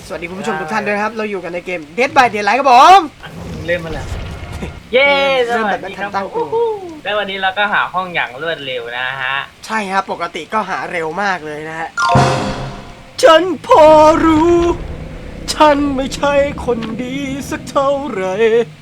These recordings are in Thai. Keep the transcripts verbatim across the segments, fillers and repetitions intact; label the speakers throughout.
Speaker 1: สวัสดีคุณผู้ชมทุกท่านด้วยครับเราอยู่กันในเกม Dead by Daylight ครับผม
Speaker 2: เล่นมาแล้วเย้ส
Speaker 1: เริ่ม
Speaker 2: วั
Speaker 1: แบ
Speaker 2: ส
Speaker 1: บไม่
Speaker 2: ดี
Speaker 1: ทั
Speaker 2: คน รับ
Speaker 1: ตั้งตัว
Speaker 2: แล้ววันนี้เราก็หาห้องอย่างรวดเร็วนะฮะ
Speaker 1: ใช่ครับปกติก็หาเร็วมากเลยนะฮะฉันพอรู้ฉันไม่ใช่คนดีสักเท่าไหร่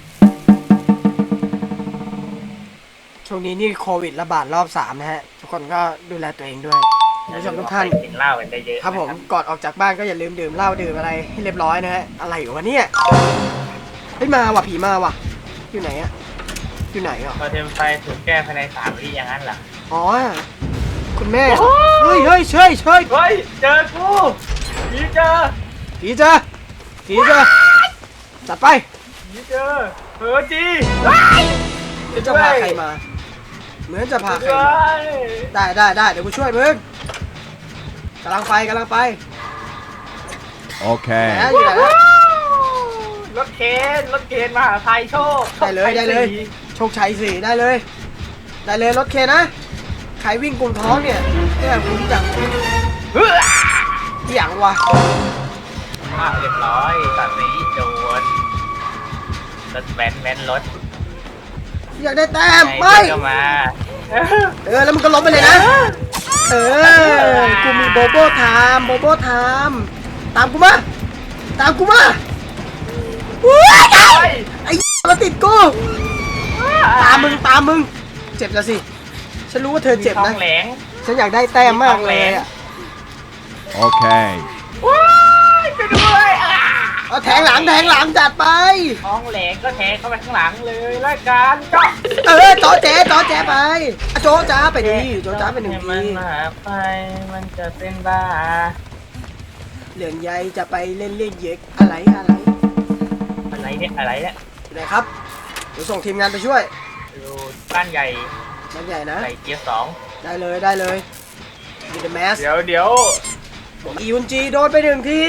Speaker 1: ช่วงนี้นี่โควิดระบาดรอบสามนะฮะทุกคนก็ดูแลตัวเองด้วยคุณผู้ชมทุกท่าน
Speaker 2: กินเหล้ากันได้เยอะ
Speaker 1: ครับผมก่อนออกจากบ้านก็อย่าลืมดื่มเหล้าดื่มอะไรให้เรียบร้อยนะฮะอะไรอยู่วะเนี่ยเฮ้ยมาว่ะผีมาว่ะอยู่ไหนอะอยู่ไหนอ่ะ
Speaker 2: พอเทมไฟถูกแก้ภายในสามวิอย่างนั้นเหรอ
Speaker 1: อ๋อคุณแม่เฮ้ยเฮ้ยเชยเชย
Speaker 2: เฮ้ยเจอกูผีเจอ
Speaker 1: ผีเจอผีเจอจัดไป
Speaker 2: ผีเจอเฮ้อจี
Speaker 1: เหมือนจะพาใครมาเหมือนจะพาใคร
Speaker 2: เฮ้
Speaker 1: มาย ได้ได้ได้เดี๋ยวกูช่วยมึงกำลังไปกำลังไป
Speaker 3: Okay.
Speaker 1: แหมอยู่ไหนนะ
Speaker 2: รถเคนรถเคนมหาไทยโชค
Speaker 1: ได้เลยได้เลย โชคชัยสี่ได้เลย ได้เลยรถเคนนะใครวิ่งกลุ่มท้องเนี่ยเนี่ยคุ้มจัง
Speaker 2: เฮ้ย
Speaker 1: เหี้ยงวะ
Speaker 2: อ่ะเรียบร้อยตอนนี้โดนรถแว้นแว้นรถ
Speaker 1: อยากได้แต้ม
Speaker 2: ไหน
Speaker 1: ไป
Speaker 2: เดินเข้ามา
Speaker 1: เออแล้วมึงก็ล้มไปเลยนะ เออ กูมีโบโบไทม์โบโบไทม์ตามกูมา ตามกูมาอุ้ย
Speaker 2: ไป
Speaker 1: ไอ้มาติดกู ตามมึงตามมึง เจ็บแล้วสิ ฉันรู้ว่าเธอเจ็บ
Speaker 2: ท้อ
Speaker 1: นะ
Speaker 2: งแหลง
Speaker 1: ฉันอยากได้แต้มมากเลยอะ
Speaker 3: Okay.
Speaker 2: ว้ายไปด้วยอ่ะ
Speaker 1: เอาแทงหลังแทงหลังจัดไป
Speaker 2: ท้องแหลงก็แทงเข้าไปข้างหลังเลยแล้วกันก็
Speaker 1: เออจอแจ๊จอแจ๊ไปอะโจจ้าไปดิโจจ้าไปหนึ่ง
Speaker 2: ให้
Speaker 1: ที
Speaker 2: มันมาไปมันจะเป็นบ้า
Speaker 1: เหลืองใยจะไปเล่นเล่นเย็กอะไรอะไร
Speaker 2: อะไรเนี่ยอะไรเนี่ย
Speaker 1: อยู่ไหนครับ เดี๋ยวส่งทีมงานไปช่วย
Speaker 2: ดูบ้านใหญ่
Speaker 1: มันใหญ่นะ
Speaker 2: ใหญ่เกียร์สอง
Speaker 1: ได้เลยได้เลยมีเดอะแมส
Speaker 2: เดี๋ยวเดี๋ยว
Speaker 1: อียุนจีโดนไปหนึ่งที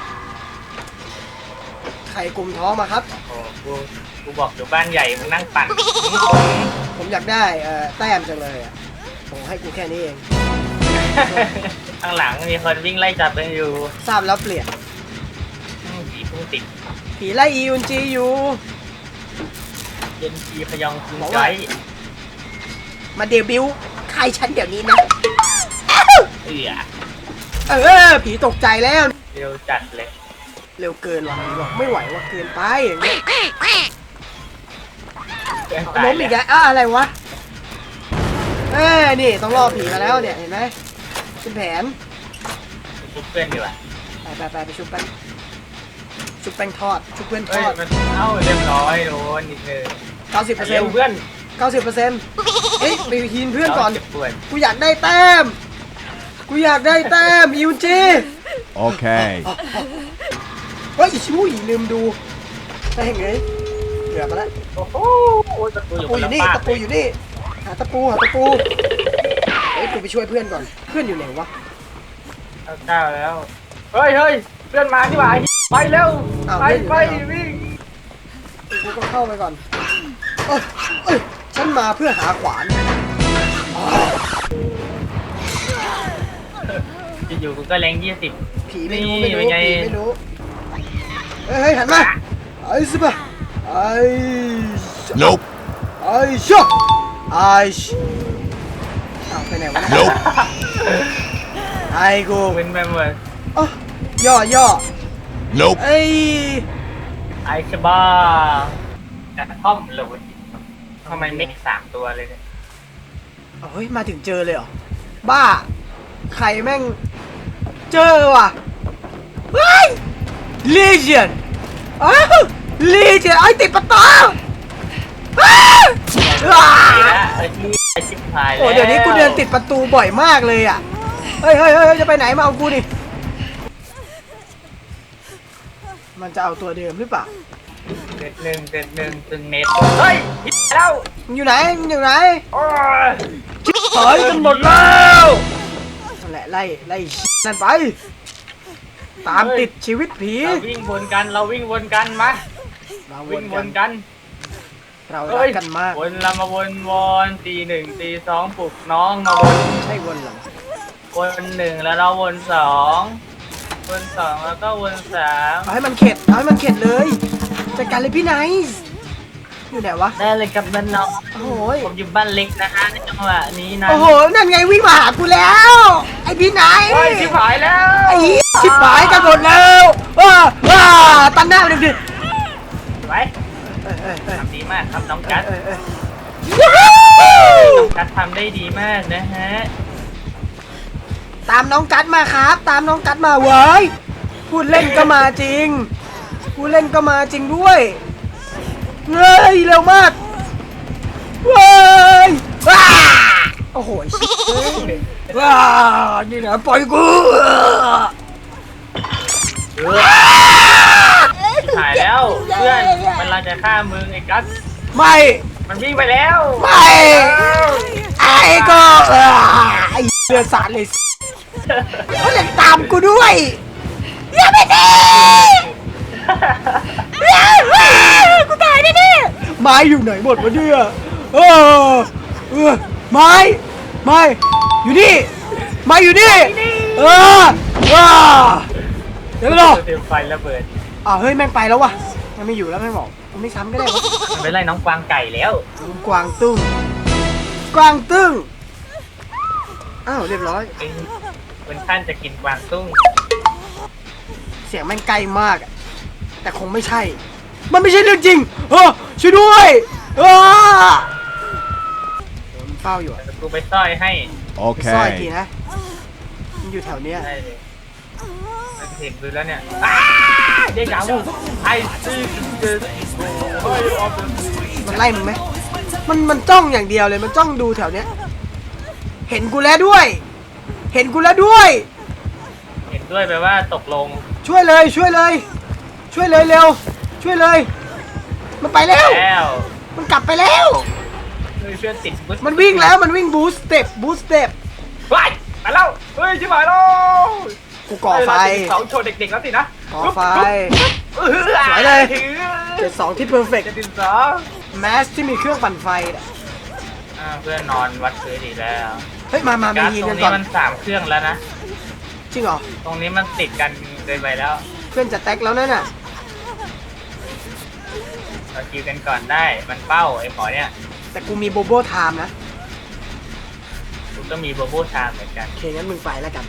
Speaker 1: ไข่กลุ่มท้องมาครับ
Speaker 2: โอ้กูกูบอกอยู่บ้านใหญ่มึงนั่งปั่น
Speaker 1: ผมอยากได้เอ่อแต้มจังเลยอ่ะผมให้กูแค่นี้เอง
Speaker 2: ข้างหลังมีคนวิ่งไล่จับกันอยู่
Speaker 1: ทราบแล้วเปลี่ยน
Speaker 2: อืมผีพุ่งติด
Speaker 1: ผีไล่อียุนจีอยู่
Speaker 2: เย็นทีพยองคุง
Speaker 1: บอก
Speaker 2: ใจ
Speaker 1: ว่า มาเดบิวต์ใครฉันเดี๋ยวนี้นะ
Speaker 2: เอือ
Speaker 1: เออผีตกใจแล้ว
Speaker 2: เร็วจัดเลย
Speaker 1: เร็วเกินว่ะผีบอกไม่ไหวว่าเกินไปอย่างเงี้ย
Speaker 2: เพื่อน
Speaker 1: ล้
Speaker 2: ตาย
Speaker 1: ม
Speaker 2: เล
Speaker 1: อี
Speaker 2: ย
Speaker 1: กแล้วอ่ะอะไรวะเอ้ยนี่ต้องรอผีมาแล้วเนี่ยเห็นไหมเป็นแผน
Speaker 2: ชุบเพื่อนดีกว่า
Speaker 1: ไปไปไปไปชุบแป้งชุบแป้งทอดชุบเพื่อนท
Speaker 2: เฮ้ย
Speaker 1: อด
Speaker 2: มันเอ้าเรียบร้อยโดนนิดนึง
Speaker 1: เก้าสิบเปอร์เซ็น
Speaker 2: เร็ว
Speaker 1: ต์
Speaker 2: เพื่อน
Speaker 1: เก้าสิบเปอร์เซ็นต์เอ้ยไปฮีนเพื่อนก่อน
Speaker 2: เจ็บปวด
Speaker 1: กูอยากได้แต้มกูอยากได้แต้มอิวจี
Speaker 3: Okay.
Speaker 1: เฮ้ยชิวอีลืมดูได้ไงเหลือมาแล้ว
Speaker 2: โอ้โหตะปู
Speaker 1: ตะ
Speaker 2: อยู่
Speaker 1: ปู
Speaker 2: คน
Speaker 1: อ
Speaker 2: ละ
Speaker 1: ยู่นี่
Speaker 2: ฝาก
Speaker 1: ตะปูอยู่นี่หาตะปูหาตะปูเฮ้ยกูไปช่วยเพื่อนก่อนเพื่อนอยู่ไหนวะ
Speaker 2: เอาเก้าแล้วเฮ้ยเฮ้ยเพื่อนมาที่หว่าไปเร็วไปไปวิ่ง
Speaker 1: กูก็เข้าไปก่อนเอ้ยเอ้ยฉันมาเพื่อหาขวานอ๋อ
Speaker 2: อยู่ๆกูก็แรงยี่สิบ
Speaker 1: ผีไม่รู้
Speaker 2: นี่
Speaker 1: ไม่รู้
Speaker 2: เป็นไง
Speaker 1: ผีไม่รู้เฮ้ยเฮ้ยหันมาไอ้สิบะไอ้
Speaker 3: Nope.
Speaker 1: ไอ้ชอบไอ้ชอ้าวไปไหนวะเนี่ย
Speaker 3: Nope.
Speaker 1: ไอ้กู
Speaker 2: มึนไปหมด
Speaker 1: อ๋อย่อย่อ
Speaker 3: Nope.
Speaker 1: ไอ้
Speaker 2: ไอชบ้าแต่ท่อมเลยทำไมเม็กสามตัวเลยเนี่ย
Speaker 1: เฮ้ยมาถึงเจอเลยเหรอบ้าใครแม่งเจอว่ะเฮ้ยลีเจียนอ้าวลีเจียนไอ้ติดประตูอ้าวอ้า
Speaker 2: ไป
Speaker 1: ว
Speaker 2: แล้วไอ้ที่ไอ้ชิบหายแล้ว
Speaker 1: โอ้เดี๋ยวนี้กูเดินติดประตูบ่อยมากเลยอ่ะเฮ้ยเฮ้ยเฮ้ยจะไปไหนมาเอากูดิมันจะเอาตัวเดิมหรือเปล่า
Speaker 2: เด็ดหนึ่งเด็ดหนึ่งตึงเน็ตเฮ้ยฮิตแล้ว
Speaker 1: มึงอยู่ไหนมึงอยู่ไหน
Speaker 2: โอ้ย
Speaker 1: ถอยกันหมดแล้วนั่นแหละไล่ไล่นั่นไป ตามติดชีวิตผี
Speaker 2: เราวิ่งวนกันเราวิ่งวนกันมา
Speaker 1: เราว
Speaker 2: วิ่
Speaker 1: น
Speaker 2: งว
Speaker 1: กัน
Speaker 2: นกัน
Speaker 1: เรารั
Speaker 2: เฮ้
Speaker 1: ก
Speaker 2: ย
Speaker 1: กันมาก
Speaker 2: วนเรามาวนวนตีหนึ่งตีสองปลุกน้องมาวน
Speaker 1: ใช่วนเหรอ
Speaker 2: วนหนึ่งแล้วเราวนสองวนสองแล้วก็วนสาม
Speaker 1: เอาให้มันเข็ดเอาให้มันเข็ดเลยจัดการเลยพี่ไนซ์อยู่ไหนวะ
Speaker 2: ได้เลยกับบ้านน้อง
Speaker 1: โอ้โห
Speaker 2: ผมอยู่บ้านเล็กนะฮะในจังหวะนี้นะ
Speaker 1: โอ้โหนั่นไงวิ่งมาหากูแล้วไอ้พี่ไนซ์
Speaker 2: โอ้ยชิบหายแล้ว
Speaker 1: ไอ้เหี้ยชิบหายกันหมดแล้วว้าว้าตันหน้าไปดิ
Speaker 2: ไว้
Speaker 1: เอ้ยเอ้ยเอ้ย
Speaker 2: ทำดีมากครับน้องกัส
Speaker 1: เอ้ยเอ้ย
Speaker 2: น้องกัสทำได้ดีมากนะฮะ
Speaker 1: ตามน้องกัดมาครับ ตามน้องกัดมาเว้ยพูดเล่นก็มาจริงพูดเล่นก็มาจริงด้วยเฮ้ยเร็วมากเว้ยว้าโอ้โหชิบเอ้ยว้านี่นะปล่อยกู
Speaker 2: ชิบหายแล้วเพื่อนมันกำลังจะฆ่ามึงไอ้กัส
Speaker 1: ไม่
Speaker 2: มันวิ่งไปแล้ว
Speaker 1: ไม่ไอ้ก็อ่าไอ้เดือดสารเลยเขาเล่นตามกูด้วยอย่าไปดิกูตายแน่ๆไม้อยู่ไหนหมดวะเนี่ยเออเออไม้ไม้อยู่นี่ไม้อยู่นี่เออว้าเดี๋ยวรอ
Speaker 2: เตรียมไฟระเบิด
Speaker 1: อ้าวเฮ้ยแม่งไปแล้ววะมันไม่อยู่แล้วแม่งบอกมันไม่ซ้ำก็ได้วะ
Speaker 2: มันไปไล่น้องกวางไก่แล้ว
Speaker 1: กวางตุ้งกวางตึ้งอ้าวเรียบร้อย
Speaker 2: เป็นเป็นท่านจะกินกวางตุ้ง
Speaker 1: เสียงแม่งไกลมากอะแต่คงไม่ใช่ มันไม่ใช่เรื่องจริงเออช่วยด้วยเออผมเฝ้าอยู่อะ
Speaker 2: แต่กูไปซ่อยให้
Speaker 1: ไปซ่อยที
Speaker 3: Okay.
Speaker 1: นะมันอยู่แถวเนี้ย
Speaker 2: ได้เลยมันเห็นดูแล้วเนี่ยอ้าเด็กจ๋าวูไอ้ซีเดอโอ้ยออฟ
Speaker 1: มันไล่มึงไหมมันมันจ้องอย่างเดียวเลยมันจ้องดูแถวเนี้ยเห็นกูแล้วด้วย เห็นกูแล้วด้วย
Speaker 2: เห็นด้วยแปลว่าตกลง
Speaker 1: ช่วยเลยช่วยเลย ช่วยเลยเร็ว ช่วยเลย มันไปแล้ว
Speaker 2: แล้ว
Speaker 1: มันกลับไปแล้ว
Speaker 2: เฮ้ยเพื่อนติดบุ๊
Speaker 1: มันวิ่งแล้วมันวิ่งบูสเต็ปบูสเต็ป
Speaker 2: ไปไปแล้วเฮ้ยชิบหายแล้ว
Speaker 1: กูก่อไฟ
Speaker 2: เสาโชว์เด็กๆแล้วสินะ
Speaker 1: ก่อไฟ
Speaker 2: เออ
Speaker 1: สวยเลยเจ็ดสองที่เพอร์เฟกต์
Speaker 2: จะติดสอง
Speaker 1: แมสที่มีเครื่องปั่นไฟน่ะ
Speaker 2: อ่าเพื่อนนอนวัดพื้นอีกแล้ว
Speaker 1: เฮ้ยมามามา
Speaker 2: การ์ด
Speaker 1: ยิง
Speaker 2: ตร
Speaker 1: กั
Speaker 2: ง
Speaker 1: นก่
Speaker 2: นี้
Speaker 1: อน
Speaker 2: มันสามเครื่องแล้วนะ
Speaker 1: จริงเหรอ
Speaker 2: ตรงนี้มันติดกันเกินไปแล้ว
Speaker 1: เพื่อนจะแท็กแล้วนั่นน่ะ
Speaker 2: เราคิวกันก่อนได้ มันเป้าไอ้หมอเนี่ย
Speaker 1: แต่กูมีโบโบไทม์นะ
Speaker 2: กูก็มีโบโบชามเหมือนกัน
Speaker 1: โอเคงั้นมึงไปแล้วกัน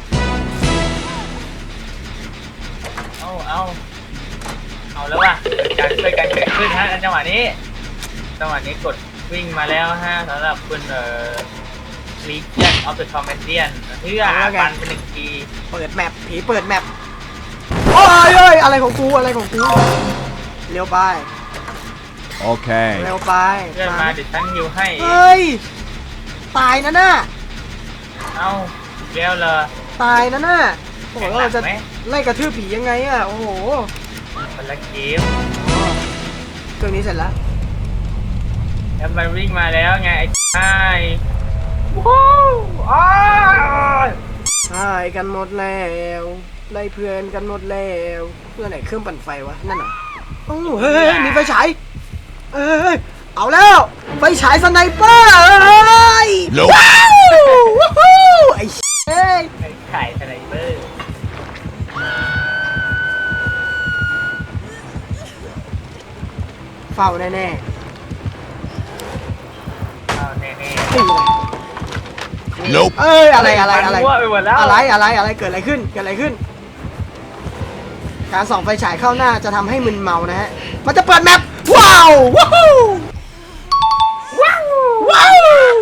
Speaker 2: เอ้าเอ้าเอาแล้วว่ะการช่วยกันเกิดขึ้นฮะจังหวะนี้ จังหวะนี้กดวิ่งมาแล้วฮะสำหรับคุณเอ่อ Legion of the Commandian เพื่อปันเป็นหนึ่งที
Speaker 1: เปิดแมปผีเปิดแมปโอ้ยเอ้ยอะไรของกูอะไรของกูเร็วไป
Speaker 3: Okay.
Speaker 1: เร็วไป
Speaker 2: เพื่อนมาเดี๋ยวฉันฮิวให้
Speaker 1: เฮ้ยตายนะน่ะ
Speaker 2: เอ้าอีกแล้วเลย
Speaker 1: ตายนะน่ะโอ้โห
Speaker 2: แข่งหนั
Speaker 1: เรา
Speaker 2: ก
Speaker 1: จะ
Speaker 2: ไหม
Speaker 1: ไล่กระทืบผียังไงอ่ะโอ้โห
Speaker 2: คนละเกม
Speaker 1: เครื่องนี้เสร็จแล้ว
Speaker 2: แล้วมันวิ่งมาแล้วไงไอ้ไอ้ว้าวอ้าว
Speaker 1: หายกันหมดแล้วไล่เพื่อนกันหมดแล้วเพื่อนไหนเครื่องปั่นไฟวะนั่นเหรอโอ้เฮ้ยเฮ้ยมีไฟฉายเอ้ยเอาแล้วไฟฉายสไนเปอร์เอ้ย
Speaker 3: Nope.
Speaker 1: ว้าวว้าวไอ้เอ้ย
Speaker 2: ไอ้ไข่สไนเปอร์
Speaker 1: เฝ้าแน่ๆนี่
Speaker 2: อ้าวแน่
Speaker 1: แหละ
Speaker 3: Nope.
Speaker 1: เอ้ย
Speaker 2: ๆ
Speaker 1: อะไรอะไรอะไร
Speaker 2: มั่วไปหมดแล้ว
Speaker 1: อะไรอะไรอะไรเกิดอะไรขึ้นเกิดอะไรขึ้น การส่องไฟฉายเข้าหน้าจะทำให้มึนเมานะฮะมันจะเปิดแมปว้าวว้าวว้าวว้าว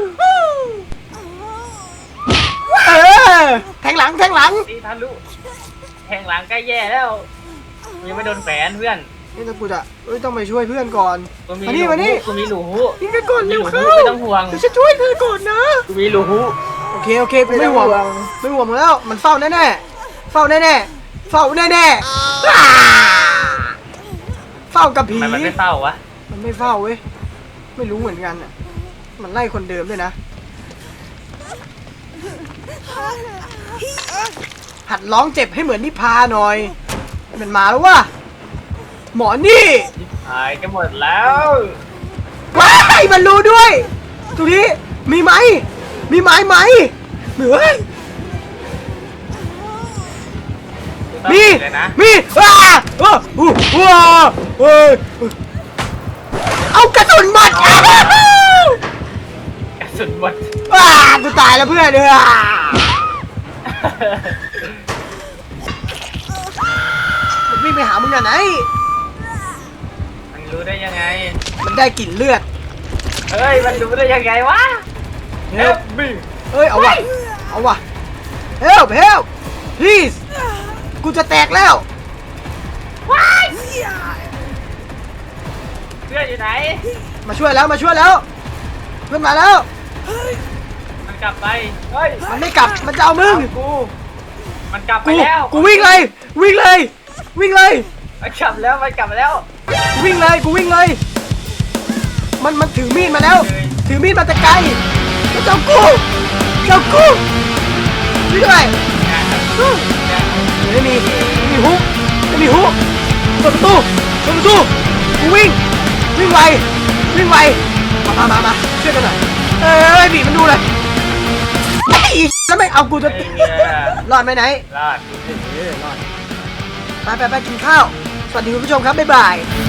Speaker 1: เออแทงหลังแทงหลัง
Speaker 2: ตีทะลุแทงหลังใกล้แย่แล้วยังไม่โดนแฝนเพื่อน
Speaker 1: นี่ถ้ากูจะเอ้ยต้องไปช่วยเพื่อนก่อน
Speaker 2: กูมี
Speaker 1: มานี่มานี่
Speaker 2: กูมีหลู
Speaker 1: ยิงกันก่อน
Speaker 2: มี
Speaker 1: เร็
Speaker 2: ห
Speaker 1: ว
Speaker 2: ลู
Speaker 1: เข้า
Speaker 2: ไม่ต้องห่วง
Speaker 1: เดี๋ยวฉันช่วยเธอก่อนนะ
Speaker 2: กูมีหลู
Speaker 1: โอเคโอเคกูไม่ห่วงไม่ห่วงแล้วมันเฝ้าแน่แน่ๆเฝ้าแน่แน่ๆเฝ้าแน่แน่ๆอ่าเฝ้ากับผี
Speaker 2: ทำไมมันไม่เศร้าวะ
Speaker 1: มันไม่เฝ้าเว้ยไม่รู้เหมือนกันอ่ะมันไล่คนเดิมด้วยนะหัดร้องเจ็บให้เหมือนนิพาหน่อยมันมาแล้ววะหมอนี่
Speaker 2: หายกันหมดแล้ว
Speaker 1: ว้ายมันรู้ด้วยตรงนี้มีไหมมีไหมไหมเหนือ
Speaker 2: ตต้อง
Speaker 1: มี
Speaker 2: เลยนะ
Speaker 1: มีอ้าเอออู้ว้าเอ้ยเอากระสุนหมดอ้าว
Speaker 2: กระสุนหมด
Speaker 1: อ้ากูตายแล้วเพื่อนเด้อมันวิ่งไปหามึงอ่ะไหน
Speaker 2: มันรู้ได้ยังไง
Speaker 1: มันได้กลิ่นเลือด
Speaker 2: เฮ้ยมันรู้ได้ยังไงวะ
Speaker 1: เฮ้ย
Speaker 2: Help me
Speaker 1: เอ้ยเอาวะเอาวะ help help please กูจะแตกแล้ว
Speaker 2: เพื่อนอยู่ไหน
Speaker 1: มาช่วยแล้วมาช่วยแล้วเพื่อนมาแล้ว
Speaker 2: มันกลับไปเฮ้ย
Speaker 1: มันไม่กลับมันจะเอามึง
Speaker 2: เอากูมันกลับไป
Speaker 1: กู
Speaker 2: แล้ว
Speaker 1: กูวิ่งเลยวิ่งเลยวิ่งเลย
Speaker 2: มันกลับแล้วมันกลับมาแล้ว
Speaker 1: กูวิ่งเลยกูวิ่งเลย มันมันถือมีดมาแล้ว
Speaker 2: เลย
Speaker 1: ถือมีดมาแต่ไกลมันจะเอากูจะเอากูวิ่งเลยไม่มีไม่มีฮุกไม่มีฮุกเปิดประตูเปิดประตูกูวิ่งวิ่งไววิ่งไวมามามามาช่วยกันหน่อยเอ้ยบีบมันดูเลยไอ้อีแล้วไม่เอากูจะ
Speaker 2: ไอ้เหี้ย
Speaker 1: รอดไหมไหน
Speaker 2: รอด
Speaker 1: เออรอดไปไปไปกินข้าว สวัสดีคุณผู้ชมครับ บ๊ายบาย